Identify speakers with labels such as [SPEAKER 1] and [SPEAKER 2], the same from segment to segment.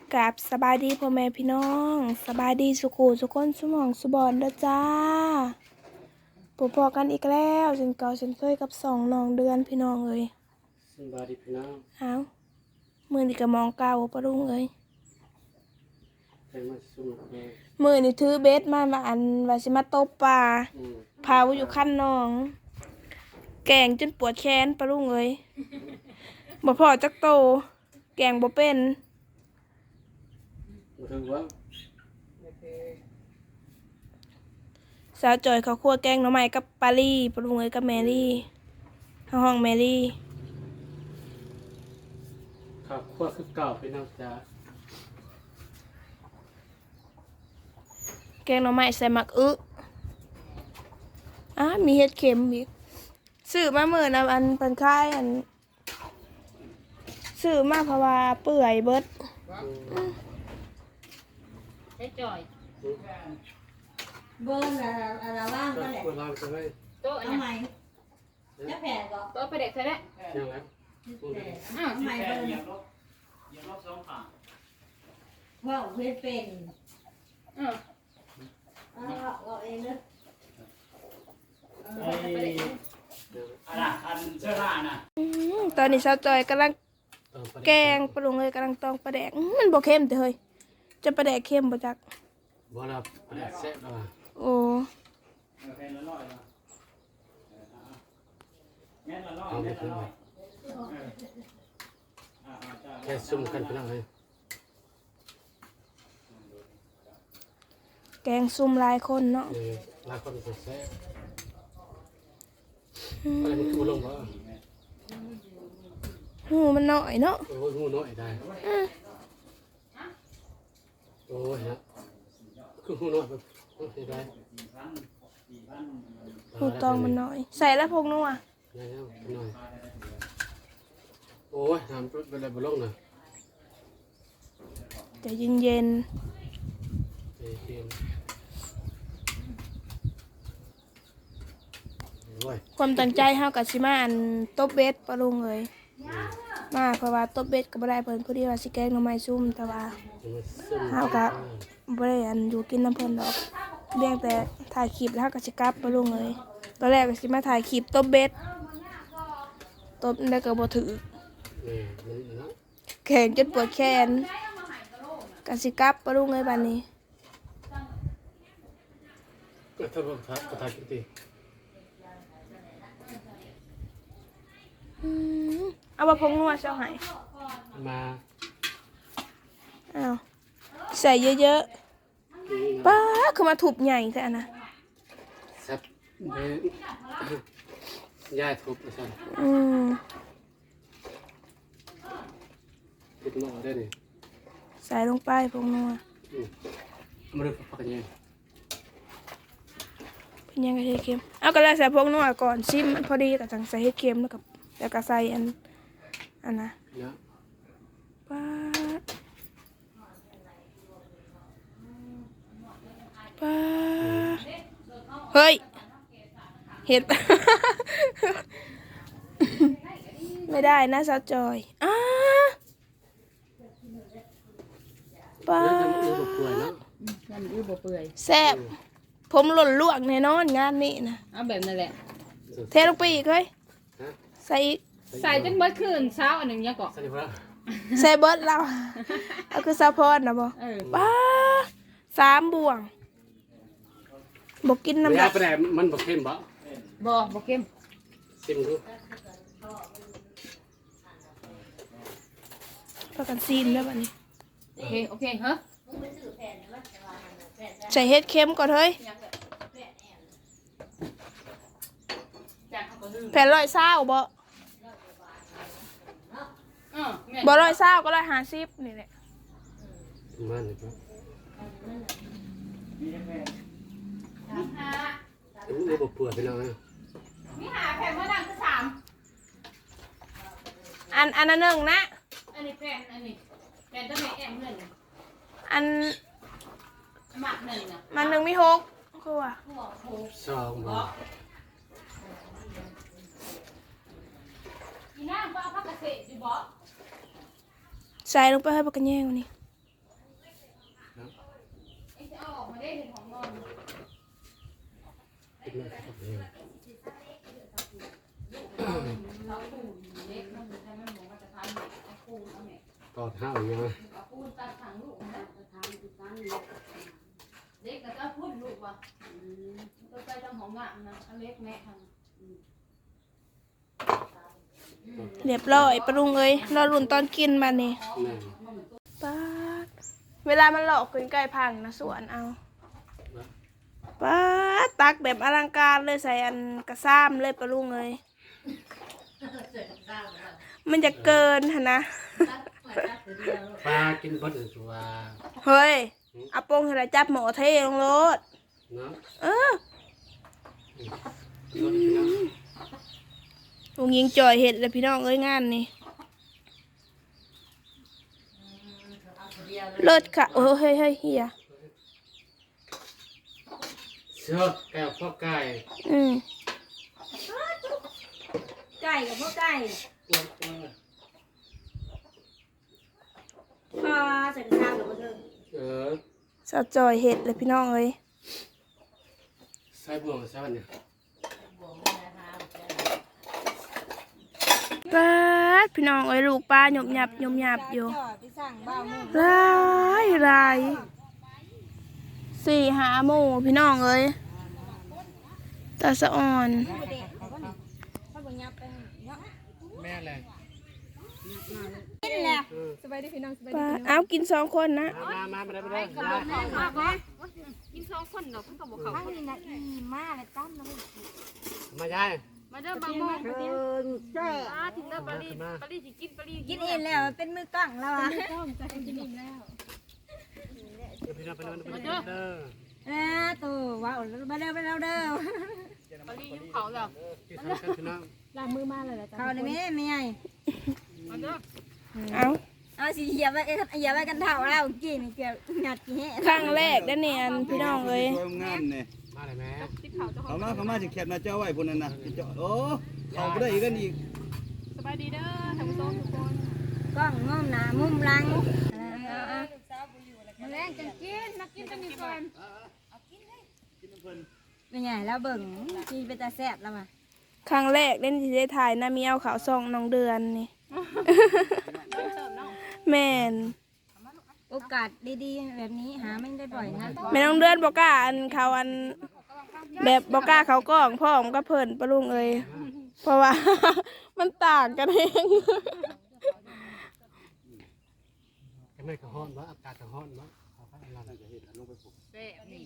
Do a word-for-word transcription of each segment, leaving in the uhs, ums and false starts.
[SPEAKER 1] กับสบายดีพ่อแม่พี่น้องสบายดีสุขุสุขคนสมองสุบอนเด้อจ้าพบพอกันอีกแล้วฉันเก่าฉันเคยกับสองน้องเดือนพี่น้องเอ้ย
[SPEAKER 2] สบายดีพี่น้อง
[SPEAKER 1] เอามือนี่ก็มองเก่าปะลุงเอ้ย
[SPEAKER 2] ใครมาสุ่มเลย
[SPEAKER 1] มือนี่ถือเบสมามาอันว่าสิมาตบปลาพาอยู่ขั้นน้องแกงจนปวดแขนปะลุงเอ้ยบ่พอจักโตแกงบ่เป็น
[SPEAKER 2] มาถึงว่า
[SPEAKER 1] สาวจอยเขาคั่วแกงหน่อไม้กับปาลี่ปะลุงเอ้ยกับแมรี่ห้องแมรี่
[SPEAKER 2] ข้าวคั่วคือเก่าพี่น้องจ้า
[SPEAKER 1] แกงหน่อไม้ใส่หมักอึอ่ะมีเห็ดเข็มอีกซื้อมาเมื่อนะอันเป็นค่ายอันซื้อมาเพราะว่าเปื่อยเบิด
[SPEAKER 3] ได้จ่อย
[SPEAKER 4] เบอร์อะไรอะไรว่างก็แหละ
[SPEAKER 2] ควรเราจะให้
[SPEAKER 3] โต๊ะอัน
[SPEAKER 4] ทำไม
[SPEAKER 3] นี้
[SPEAKER 4] จะแผ่ก็
[SPEAKER 3] โต๊ะไปเด็กใช่ไหม
[SPEAKER 2] ยังไง
[SPEAKER 3] อ้าว
[SPEAKER 4] ทำไมเบอร์ว่าเพื่อนเป็น
[SPEAKER 3] อือ
[SPEAKER 4] เอาเอาเองนะ
[SPEAKER 5] อะไรอันเสื้อผ้าน่ะ
[SPEAKER 1] อืมตอนนี้สาวจอยกำลังแกงปรุงเลยกำลังตองปลาแดกอื้อมันบ่เค็มแต่เฮ้ยจะปลาแดกเค็มบ่จัก
[SPEAKER 2] บ่รับปลาแซ่บแล้วอ่ะ
[SPEAKER 1] โอ้
[SPEAKER 5] แค่ละร้อยละแม่ละร้อย
[SPEAKER 2] เอาไป
[SPEAKER 5] แม่
[SPEAKER 2] ขึ้น
[SPEAKER 5] ละ
[SPEAKER 2] ไป
[SPEAKER 5] ร้อยอ่าจ้า
[SPEAKER 2] แค่ซุ่มกันพี่น้องเลย
[SPEAKER 1] แกงซุ่มหลายคนเนาะ
[SPEAKER 2] เออลาคนจะแซ่บอะไรมันคือลงบ่
[SPEAKER 1] หูมันน้อยเนาะ
[SPEAKER 2] โอ้ยงูน้อยได้โอ้ยฮะคืองูน้อยแบบโอเคได้
[SPEAKER 1] หูตองมันน้อย ใส่แล้วพงนัว
[SPEAKER 2] ยังยังพี่น้อยโอ้ยน้ำเป็นอะไรบ่ลงน่ะ
[SPEAKER 1] ใจเย็นเย็น
[SPEAKER 2] เอเย็นโอ้ย
[SPEAKER 1] ๆความตั้งใจเฮากับสิมาอันตบเบ็ดปลาลุงเลยมาเพราะว่าตบเบ็ดก็บ่ได้เพิ่นพอดีว่าสิแกงหน่อไม้ซุ่มแต่ว่า เฮาก็บ่ได้อันอยู่กินน้ำเพิ่นดอกเพียงแต่ถ่ายคลิปแล้วเฮาก็สิกลับปลาลุงเลยตอนแรกก็สิมาถ่ายคลิปตบเบ็ดตบแล้วก็บ่ถือ
[SPEAKER 2] นี่มันเนาะ
[SPEAKER 1] แข็งจนปวดแขนก็สิกลับปลาลุงเลยบัดนี้
[SPEAKER 2] ก็ถ้าบ่ทักก็ทักจริง
[SPEAKER 1] อืมเอาว่าพงนัวเจ้าให้
[SPEAKER 2] ๆมา
[SPEAKER 1] อ้าวใส่เยอะๆป้าคือมาทุบใหญ่แท้อะนะ
[SPEAKER 2] แซ่บเด้ย่าทุบซั่น
[SPEAKER 1] อืม
[SPEAKER 2] ติดหม้อได้นี่
[SPEAKER 1] ใส่ลงไปพงนัว
[SPEAKER 2] อืมเอามาดูพักกันยัง
[SPEAKER 1] เป็นยังไงเฮ็ดเค็มเอาก็แล้วใส่พงนัวก่อนชิมมันพอดีก็จังใส่เฮ็ดเค็มแล้วก็แล้วก็ใส่อันอันนะ
[SPEAKER 2] เนาะ
[SPEAKER 1] ป้าป้าเฮ้ยเห็ด ไม่ได้นะสาวจอยอ้าป้า
[SPEAKER 2] ยังยังบ่ป่วยเนาะ
[SPEAKER 3] นั่นยืดบ่เปื่อย
[SPEAKER 1] แซ่บผมหล่นลวกแน่นอนงานนี้นะ
[SPEAKER 3] เอาแบบนั่นแหละ
[SPEAKER 1] เทลงไปอีกเฮ้ย
[SPEAKER 2] ฮะ
[SPEAKER 1] ใส่อีก
[SPEAKER 3] ใส่จนเบิดคืนเช้าอันหนึ่งยังเกาะ
[SPEAKER 2] สวัสดีครับ
[SPEAKER 1] ใส่เบิร์ดเราเอาคือซาพอนนะบอ
[SPEAKER 3] เออ
[SPEAKER 1] ป้าสามบ่วงบอกกินน้ำ
[SPEAKER 2] ยา
[SPEAKER 1] ดัก
[SPEAKER 2] ไปได้มันบ่เค็มบ่
[SPEAKER 3] บ่บ่เข้ม
[SPEAKER 2] ซิมดู
[SPEAKER 1] ประกันซีนแล้วบัดนี้
[SPEAKER 3] โอเคโอเคฮะ
[SPEAKER 1] ใส่เห็ดเค็มก่อนเฮ้ย
[SPEAKER 3] จากเขาก็ลืม
[SPEAKER 1] แผ่นร้อยเศร้าบ่
[SPEAKER 3] อ๋อแม่
[SPEAKER 1] บ่ร้อยเศร้าก็ร้อยห้าสิบนี่แหละ
[SPEAKER 2] มันนี่ครับ
[SPEAKER 3] มีหา
[SPEAKER 2] อู้บ่ป่วยพี่น้องเอ้ย
[SPEAKER 3] มีหาแผ่นมะนาวคือสาม
[SPEAKER 1] อันอันนั้นหนึ่งนะ
[SPEAKER 3] อันนี้แผ่นอันนี้แผ่นตัวแม่แอมหนึ่ง
[SPEAKER 1] อัน
[SPEAKER 3] หมักหนึ่งอ่ะ
[SPEAKER 1] มันหนึ่งมีหกคือว่า
[SPEAKER 2] สองบ่
[SPEAKER 3] อีนางก็เอาผักกระเสดอยู่บ่
[SPEAKER 1] ใส่ลงไปให้ปากกันแย่งวันนี้
[SPEAKER 3] ได้เห็นของนอน
[SPEAKER 2] กินมาสักเดือน
[SPEAKER 3] เราปูนเล็กมันจะไม่หมูมันจะทำเอาปูนเอาเนี่ย
[SPEAKER 2] กอดห้าวอย่างเงี้ย
[SPEAKER 3] เอาปูนตัดถังลูกนะจะทำอีกครั้งเล็กเล็กแต่ก็พุ่นลูกว่ะต้องไปทำของงามนะอันเล็กแม่ทำ
[SPEAKER 1] เรียบร้อยปรุงเอ้ยรอรุ่นตอนกินมานี่
[SPEAKER 2] แม่
[SPEAKER 1] ป๊าดเวลามันหลอกขึ้นใกล้พังนะสวนเอาป๊าดตักแบบอลังการเลยใส่อันกระซ้ำเลยปรุงเอ้ยมันจะเกินหนนะ
[SPEAKER 2] ปลากินบดอื่นตัว
[SPEAKER 1] เฮ้ยเอาโปงให้เราจับหมอเทลงรถ
[SPEAKER 2] เนาะ
[SPEAKER 1] เออ
[SPEAKER 2] รถพี่น้อง
[SPEAKER 1] ลุงยิงจ่อยเห็ดเลยพี่น้องเอ้ยงานนี่เลิศค่ะโอ้เฮ้ยเฮ้ยเฮีย
[SPEAKER 2] เสือแก้วพ่อไก่
[SPEAKER 1] อืม
[SPEAKER 4] ไก่กับพวกไก่
[SPEAKER 2] อ้วนอ้วน
[SPEAKER 4] พอเสร็จทางหรือเปล่า
[SPEAKER 2] เออ
[SPEAKER 1] สาวจ่อยเห็ดเลยพี่น้องเอ้ย
[SPEAKER 2] ใส่บ่วงใส่วันเนี่ย
[SPEAKER 1] ป๊าดพี่น้องเอ้ยลูกปลาหยบหยับหยบหยับอยู่
[SPEAKER 4] จ่อไปสั่งบ้ามุ่ง
[SPEAKER 1] รายรายสี่หาหมู่พี่น้องเอ้ยตาสะอ่อน
[SPEAKER 4] เด็กเขาบอกยับไปเนาะ
[SPEAKER 2] แม่แหละ
[SPEAKER 4] กินแล้ว
[SPEAKER 1] ปลาเอากินสองคนนะ
[SPEAKER 2] มามามาได้มาได้
[SPEAKER 3] กินสองคนเนาะเพิ่งกับบอกเขา
[SPEAKER 4] ข้างนี้นะอีมาเลยตั้มนะ
[SPEAKER 2] มาได้
[SPEAKER 3] มาเด้อบางโมง
[SPEAKER 4] เออเจ้
[SPEAKER 3] มาถึงเด้อปารีปารีสิกินปารี
[SPEAKER 4] กินเองแล้วเป็นมือกล้องแล้วอ่ะ
[SPEAKER 2] พี่น้องไปนอนไปนอนเด้อ
[SPEAKER 4] แล้วตัวว้าวมาเด้อมาเด้อเด้อ
[SPEAKER 3] ปารียุ่งเขาแล้ว
[SPEAKER 2] กินข้าวกันพี่น้อง
[SPEAKER 4] เขาได้ไหมไม่ไง
[SPEAKER 3] มาเด้อ
[SPEAKER 1] เอา
[SPEAKER 4] เอาสิเหยียบไว้เหยียบไว้กันเท่าแล้วกินเกี่ยวหยัดกี่แห่
[SPEAKER 1] ครั้งแรกได้เนี่ยอันพี่น้องเอ้ย
[SPEAKER 6] สวยงามเนี่ย
[SPEAKER 2] มาเลยแม่
[SPEAKER 3] ติดเขาจะ
[SPEAKER 6] เอามาเขามาสิแคบหน้าเจ้าไว้พุ่นนั่นน่ะสิเจ้าโอ้เอาไปได้อีกกันอีก
[SPEAKER 3] สบายดีเด้อทำโซ่ทุกคน
[SPEAKER 4] กล้องมุมหน้ามุมหลัง
[SPEAKER 3] มาแรงจังกินนักกินจังมีก่อน
[SPEAKER 4] เป็นไงแล้วเบิ่งที่เป็นตาแซ่บแล้วมา
[SPEAKER 1] ครั้งแรกเล่นที่ได้ถ่ายน้ามีเอาขาวซองน้องเดือนนี่ แม่น
[SPEAKER 4] โอกาสดีๆแบบนี้หาไม่ได้บ่อยนะ
[SPEAKER 1] แม่น้องเดือนบอกกล้าอันเขาอันแบบบอกกล้าเขากล้องพ่อมก็เพิ่นปะลุงเอ้ยเพราะว่า มันต่างกันเอง
[SPEAKER 2] ก็ไม่กระห้อนวะอากาศกระห้อนวะเอาไปเอาไป
[SPEAKER 3] เซ่นี่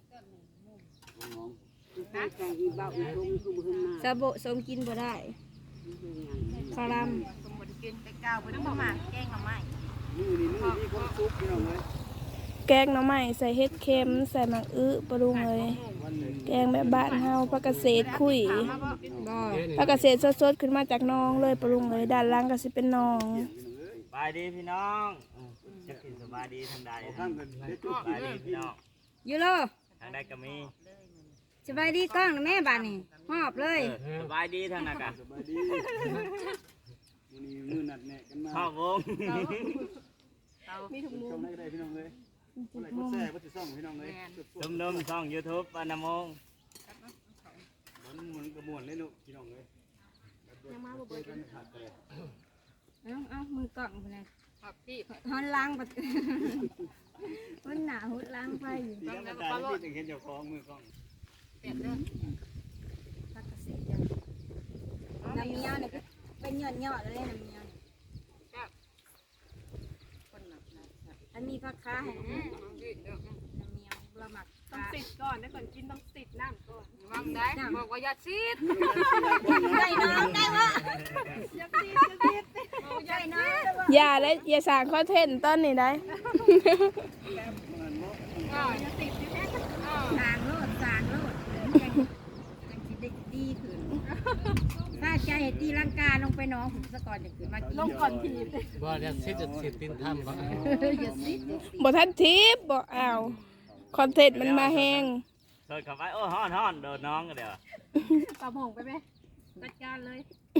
[SPEAKER 4] ซาโบะสมกินบ่ได้คารัม
[SPEAKER 3] สมบูรณ์กินไปก้าวไปน้ำหมากแกงหน่อไม้
[SPEAKER 6] มือนี่มือมีความสุขพี่น้องเอ้ย
[SPEAKER 1] แกงหน่อไม้ใส่เห็ดเค็มใส่หมักอื้อปะลุงเอ้ย
[SPEAKER 6] วันหนึ่ง
[SPEAKER 1] แกงแบบบ้านเฮาผักเกษตรคุย
[SPEAKER 4] บ่
[SPEAKER 1] ผักเกษตรสดๆขึ้นมาจากหนองเลยปะลุงเอ้ยด้านล่างก็สิเป็นหนอง
[SPEAKER 5] สบายดีพี่น้องจะกินสบายดีทางใด
[SPEAKER 6] เอาข้างกันเด็ดจุ
[SPEAKER 5] ส
[SPEAKER 6] ด
[SPEAKER 5] บายดีพี่น้อง
[SPEAKER 4] ยูโร
[SPEAKER 5] ทางใดก็มี
[SPEAKER 4] สบายดีกล้องนะแม่บ้านนี่หอบเลย
[SPEAKER 5] สบายดีทางนั้นกะ
[SPEAKER 6] สบายดีมือนี้มือนัดแนะกันมา
[SPEAKER 5] ข้าววง
[SPEAKER 3] มีถุงมือ
[SPEAKER 6] ชมได้ก็ได้พี่น้องเอ้ยอะไรก็แซ่บ่สิซ่องพี่น้องเอ้ย
[SPEAKER 5] ดมดมๆช่องยูทูบปานามง
[SPEAKER 6] มันหมุนกระมวลเลยลูกพี่น้องเอ้ยยังมาบ่เปิดกันขาดเลย
[SPEAKER 4] เอาเอามือกล้องไปเลย
[SPEAKER 3] ครับพี่
[SPEAKER 4] ฮอนล้างบัด มันหนาหุดล้างไปอยู่
[SPEAKER 6] ที่ธรรมดาที่จะเห็นเจ้าของมือกล้อง
[SPEAKER 3] เปลี่ยนเด้อ
[SPEAKER 4] ผักเกษตรจ้ะน้ำเมียวเนี่ยเป็นยอดยอดๆเลยน้ำเมียวเนี่ย
[SPEAKER 3] คนหนักหนัก
[SPEAKER 4] อันนี้ผักค้าแห้งน้ำเมียวเราหมัก
[SPEAKER 7] ต้องติดก่อนได้ก่อนกินต้องติดน้ำก่อน
[SPEAKER 3] วางได้บอกว่าอย่าซีด
[SPEAKER 4] ได้น้องได้วะ
[SPEAKER 7] อย่าติดอย่าติด
[SPEAKER 4] ได้น้องได้วะ
[SPEAKER 1] อย่าและอย่าสร้างคอนเทนต์ต้นนี่ได้
[SPEAKER 7] อย่าติดดิแม่
[SPEAKER 4] สางโลดสางโลดจังจังสิได้ดีขึ้นถ้าใจตีลังกาลงไปน้องผมซะก่อนจะขึ้นมากิน
[SPEAKER 7] ลงก่อนที
[SPEAKER 2] บ่เดี๋ยวซิดจะสิตินทำบ่
[SPEAKER 4] อย่าซิด
[SPEAKER 1] บ่ทันทิปบ่เอาคอนเทนต์มันมาแห้ง
[SPEAKER 5] เสิร์ฟเข้าไปโอ้ฮ้อนฮ้อนโดนน้องกันเดี๋ยว
[SPEAKER 7] ปลาหงไปไหมจัดการเลย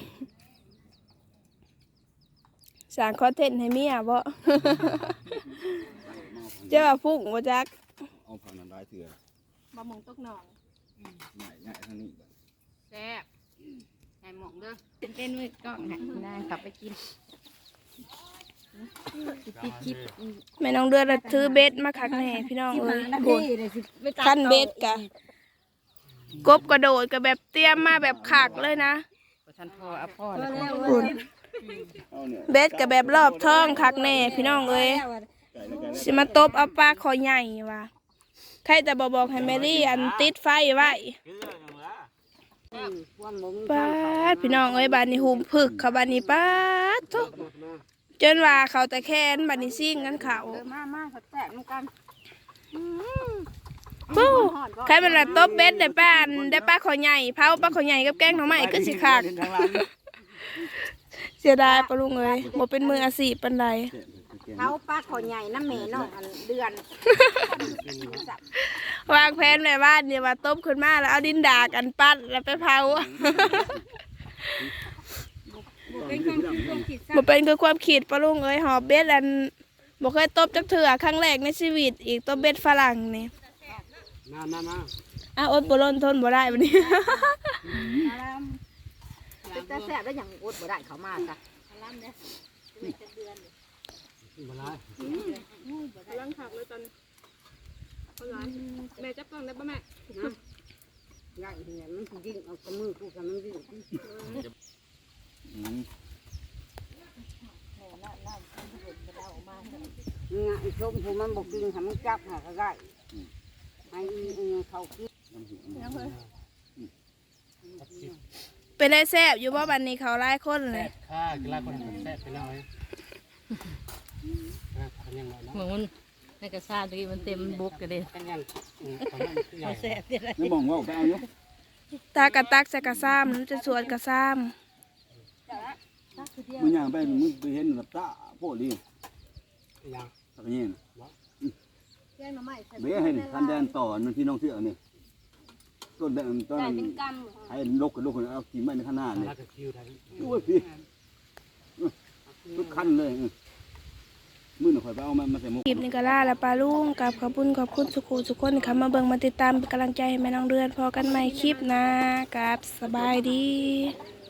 [SPEAKER 1] สร้างคอนเทนต์ให้เมียบ่ เจ้าว่าฟุ้งบ่จัก
[SPEAKER 6] เอาผ่านนั้นได้ลายเถื่อ
[SPEAKER 7] ปลาหมงตกหนอง
[SPEAKER 6] ง่ายง่ายทางนี้
[SPEAKER 3] แซ่บใส่หมองเด้อ
[SPEAKER 4] เป็นเป็นมือกล้องหันหน้ากลับไปกินติดคลิป
[SPEAKER 1] แม่น้องเดือนน่ะถือเบ็ดมาคักแน่พี่น้องเอ้ยโหดขั้นเบ็ดกะกบกระโดดก็แบบเตรียมมาแบบคักเลยนะ
[SPEAKER 4] ท่านพ่ออาพ่อแล้ว
[SPEAKER 1] โหด
[SPEAKER 6] เอาเนี่ย
[SPEAKER 1] เบ็ดก็แบบรอบท้องคักแน่พี่น้องเอ้ย
[SPEAKER 6] ไก่แล้วไก่แล้ว
[SPEAKER 1] สิมาตบเอาปลาคอใหญ่ว่ะใครแต่บอบอกให้แมรี่อันติดไฟไว้ป้าดพี่น้องเอ้ยบานนี้หุมผึกเขาบานนี้ป้าดทุกจนว่าเขาแต่แค้นบานนี้ซิ่งกันเขา
[SPEAKER 4] เออมามาเขาแตกกัน
[SPEAKER 1] ปู้ใครมันละตบเบ็ดได้ป้าอันได้ปลาคอใหญ่เผาปลาคอใหญ่กับแกงหน่อไม้ก็สิขาดเสียดายปะลุงเอ้ยบ่เป็นมืออาชีพปานใด
[SPEAKER 4] เขาปลาขอใหญ่น้ำแม่น้องอันเดือน
[SPEAKER 1] วางแผนไว้ว่าเนี่ยว่าตบขึ้นมาแล้วเอาดินดากันปั้นแล้วไปเผา
[SPEAKER 4] เป็นความคิดความคิด
[SPEAKER 1] บ่เป็นคือความคิดปะลุงเอ้ยหอบเบ็ดอันบ่เคยตบจักเทื่อครั้งแรกในชีวิตอีกตบเบ็ดฝรั่งนี่
[SPEAKER 2] มามามา
[SPEAKER 1] อ้าวอดบ่ล้นทนบ่ได้บัดนี้
[SPEAKER 4] แต่แสบแล้วอย่างอดบ่ได้เขามาจ้ะ
[SPEAKER 2] มาไล่
[SPEAKER 7] กำลังหักเลยตอนคนร้ายแม่จับกล้องได้ปะแม่
[SPEAKER 4] ง่ายเนี่ยมันยิงเอากระมือคู่กันมันยิง
[SPEAKER 6] อืม
[SPEAKER 4] ง่ายส้มผู้มันบกินทำมันจับหาก็ได้ให้เขาคิด
[SPEAKER 1] เป็นได้แซ่บอยู่บ่บัดนี้เขาหลายคนเลย
[SPEAKER 2] ข้ากีฬาคนแซ่บไปแล้วไอ้พันยังไงนะ
[SPEAKER 3] เหมือนมันในกระซ่าตะกี้มันเต็มบุกกันเลย
[SPEAKER 2] พันยังพันยังใหญ่
[SPEAKER 3] แซ่บเด็ดเลย
[SPEAKER 6] ไม่มองว่าไปเอาอยู่
[SPEAKER 1] ตากระตักใส่กระซ้ำมันจะสวนกระซ้
[SPEAKER 6] มึงย่างไปมึงไปเห็นหลับตาโพดดิ
[SPEAKER 2] ยัง
[SPEAKER 6] สักอย่าง
[SPEAKER 7] แกงหน่อไม้ใส่
[SPEAKER 6] เบี้ยเห็นคันแดนต่อมันพี่น้องเสือนี่ต้นแดงต้น
[SPEAKER 7] ได้เป็นก
[SPEAKER 6] ให้ลกกับลกเอาขี่ไม้ในข้างหน้านี่
[SPEAKER 2] น่าจะคิวได้
[SPEAKER 6] โอ้ยพี่ทุกขั้นเลยมือหน่อยไปเอามันมาใส่หมก
[SPEAKER 1] ำคลิปนี้ก็ล่าแล้วปลาลุงกับขอบคุณขอบคุณสุขุสุขคนที่เข้ามาเบิ่งมาติดตามเป็นกำลังใจให้แม่น้องเดือนพอกันใหม่คลิปหนะกับสบายดี